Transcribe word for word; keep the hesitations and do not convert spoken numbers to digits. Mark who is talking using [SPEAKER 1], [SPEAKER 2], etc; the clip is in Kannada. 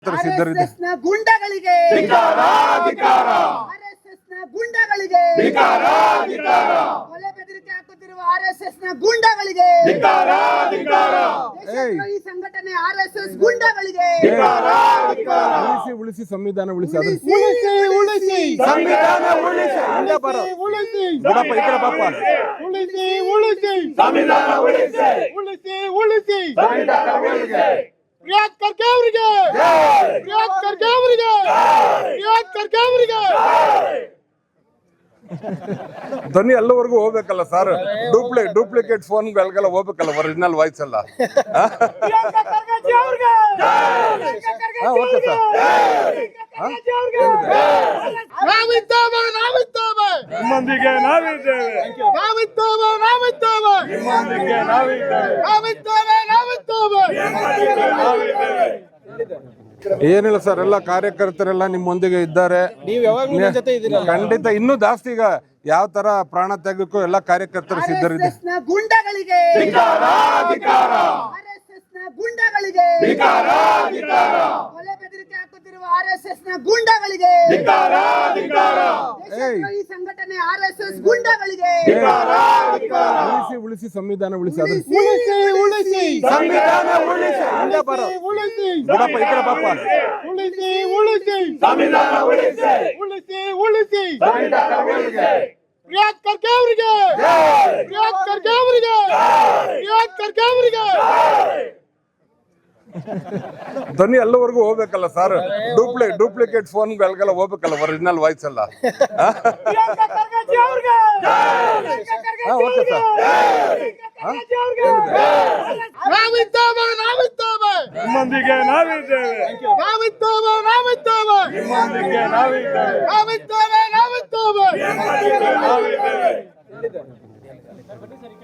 [SPEAKER 1] ಆರ್ಎಸ್ಎಸ್ ನ ಗುಂಡಗಳಿಗೆ ಆರ್ಎಸ್ಎಸ್ ನ ಗುಂಡಗಳಿಗೆ ಕೊಲೆ ಬೆದರಿಕೆ ಹಾಕುತ್ತಿರುವ ಆರ್ಎಸ್ಎಸ್ ನ ಗುಂಡಗಳಿಗೆ ದೇಶದ್ರೋಹಿ ಸಂಘಟನೆ ಆರ್ಎಸ್ಎಸ್ ಗುಂಡಗಳಿಗೆ
[SPEAKER 2] ಉಳಿಸಿ ಉಳಿಸಿ ಸಂವಿಧಾನ ಉಳಿಸಿ ಅದು
[SPEAKER 3] ಉಳಿಸಿ ಉಳಿಸಿ
[SPEAKER 4] ಸಂವಿಧಾನ ಉಳಿಸಿ
[SPEAKER 2] ಹಿಂದೆ ಬರೋ.
[SPEAKER 3] ಉಳಿಸಿ
[SPEAKER 2] ಬಿಡಪ್ಪ, ಈ ಕಡೆ ಬಾಪ್ಪ.
[SPEAKER 3] ಉಳಿಸಿ ಉಳಿಸಿ
[SPEAKER 4] ಸಂವಿಧಾನ ಉಳಿಸಿ
[SPEAKER 3] ಉಳಿಸಿ ಉಳಿಸಿ
[SPEAKER 4] ಸಂವಿಧಾನ ಉಳಿಸಿ
[SPEAKER 3] ಪ್ರಿಯಾಂಕ್ ಖರ್ಗೆ ಅವರಿಗೆ ಪ್ರಿಯಾಂಕ್ ಖರ್ಗೆ ಅವರಿಗೆ ಪ್ರಿಯಾಂಕ್ ಖರ್ಗೆ ಅವರಿಗೆ
[SPEAKER 2] ಧ್ವನಿ ಎಲ್ಲವರೆಗೂ ಹೋಗ್ಬೇಕಲ್ಲ ಸರ್. ಡೂಪ್ಲಿ ಡೂಪ್ಲಿಕೇಟ್ ಫೋನ್ಗಳಿಗೆಲ್ಲ ಹೋಗ್ಬೇಕಲ್ಲ, ಒರಿಜಿನಲ್ ವಾಯ್ಸ್ ಎಲ್ಲ. ಹಾ, ಓಕೆ ಸರ್.
[SPEAKER 3] ನಾವಿದ್ದೇವೆ ನಾವಿದ್ದೇವೆ
[SPEAKER 4] ನಿಮ್ಮೊಂದಿಗೆ ನಾವಿದ್ದೇವೆ
[SPEAKER 3] ನಾವಿದ್ದೇವೆ ನಾವಿದ್ದೇವೆ
[SPEAKER 4] ನಿಮ್ಮೊಂದಿಗೆ ನಾವಿದ್ದೇವೆ
[SPEAKER 3] ನಾವಿದ್ದೇವೆ ನಾವಿದ್ದೇವೆ
[SPEAKER 4] ನಾವಿದ್ದೇವೆ
[SPEAKER 2] ಏನಿಲ್ಲ ಸರ್, ಎಲ್ಲ ಕಾರ್ಯಕರ್ತರೆಲ್ಲ ನಿಮ್ಮೊಂದಿಗೆ ಇದ್ದಾರೆ.
[SPEAKER 3] ನೀವು ಯಾವಾಗಲೂ ನನ್ನ ಜೊತೆ ಇದ್ದೀರಲ್ಲ.
[SPEAKER 2] ಖಂಡಿತ ಇನ್ನೂ ಜಾಸ್ತಿ ಈಗ ಯಾವ ತರ ಪ್ರಾಣ ತ್ಯಾಗಕ್ಕೂ ಎಲ್ಲ ಕಾರ್ಯಕರ್ತರು ಸಿದ್ಧರಿದ್ದಾರೆ.
[SPEAKER 1] ಆರ್ಎಸ್ಎಸ್ ನ ಗುಂಡಗಳಿಗೆ ಆರ್ಎಸ್ಎಸ್ ನ ಗುಂಡಗಳಿಗೆ ಕೊಲೆ ಬೆದರಿಕೆ ಹಾಕುತ್ತಿರುವ ಆರ್ಎಸ್ಎಸ್ ನ ಗುಂಡಗಳಿಗೆ ದೇಶದ್ರೋಹಿ ಸಂಘಟನೆ ಆರ್ಎಸ್ಎಸ್ ಗುಂಡಗಳಿಗೆ
[SPEAKER 2] ಉಳಿಸಿ ಉಳಿಸಿ ಸಂವಿಧಾನ ಉಳಿಸಿ ಅದು
[SPEAKER 3] ಉಳಿಸಿ ಉಳಿಸಿ
[SPEAKER 4] ಸಂವಿಧಾನ ಉಳಿಸಿ
[SPEAKER 2] ಹಿಂದೆ ಬರೋ.
[SPEAKER 3] ಉಳಿಸಿ
[SPEAKER 2] ಬಿಡಪ್ಪ, ಈ ಕಡೆ ಬಾಪ್ಪ.
[SPEAKER 3] ಉಳಿಸಿ ಉಳಿಸಿ
[SPEAKER 4] ಸಂವಿಧಾನ ಉಳಿಸಿ
[SPEAKER 3] ಉಳಿಸಿ ಉಳಿಸಿ
[SPEAKER 4] ಸಂವಿಧಾನ ಉಳಿಸಿ
[SPEAKER 3] ಪ್ರಿಯಾಂಕ್ ಖರ್ಗೆ ಅವರಿಗೆ ಪ್ರಿಯಾಂಕ್ ಖರ್ಗೆ ಅವರಿಗೆ ಪ್ರಿಯಾಂಕ್ ಖರ್ಗೆ ಅವರಿಗೆ
[SPEAKER 2] ಧ್ವನಿ ಎಲ್ಲವರೆಗೂ ಹೋಗ್ಬೇಕಲ್ಲ ಸರ್. ಡೂಪ್ಲಿ ಡೂಪ್ಲಿಕೇಟ್ ಫೋನ್ಗಳಿಗೆಲ್ಲ ಹೋಗ್ಬೇಕಲ್ಲ, ಒರಿಜಿನಲ್ ವಾಯ್ಸ್ ಎಲ್ಲ. ಹಾ, ಓಕೆ ಸರ್.
[SPEAKER 3] ನಾವಿದ್ದೇವೆ ನಾವಿದ್ದೇವೆ
[SPEAKER 4] ನಿಮ್ಮೊಂದಿಗೆ ನಾವಿದ್ದೇವೆ
[SPEAKER 3] ನಾವಿದ್ದೇವೆ ನಾವಿದ್ದೇವೆ
[SPEAKER 4] ನಿಮ್ಮೊಂದಿಗೆ ನಾವಿದ್ದೇವೆ
[SPEAKER 3] ನಾವಿದ್ದೇವೆ ನಾವಿದ್ದೇವೆ
[SPEAKER 4] ನಿಮ್ಮೊಂದಿಗೆ ನಾವಿದ್ದೇವೆ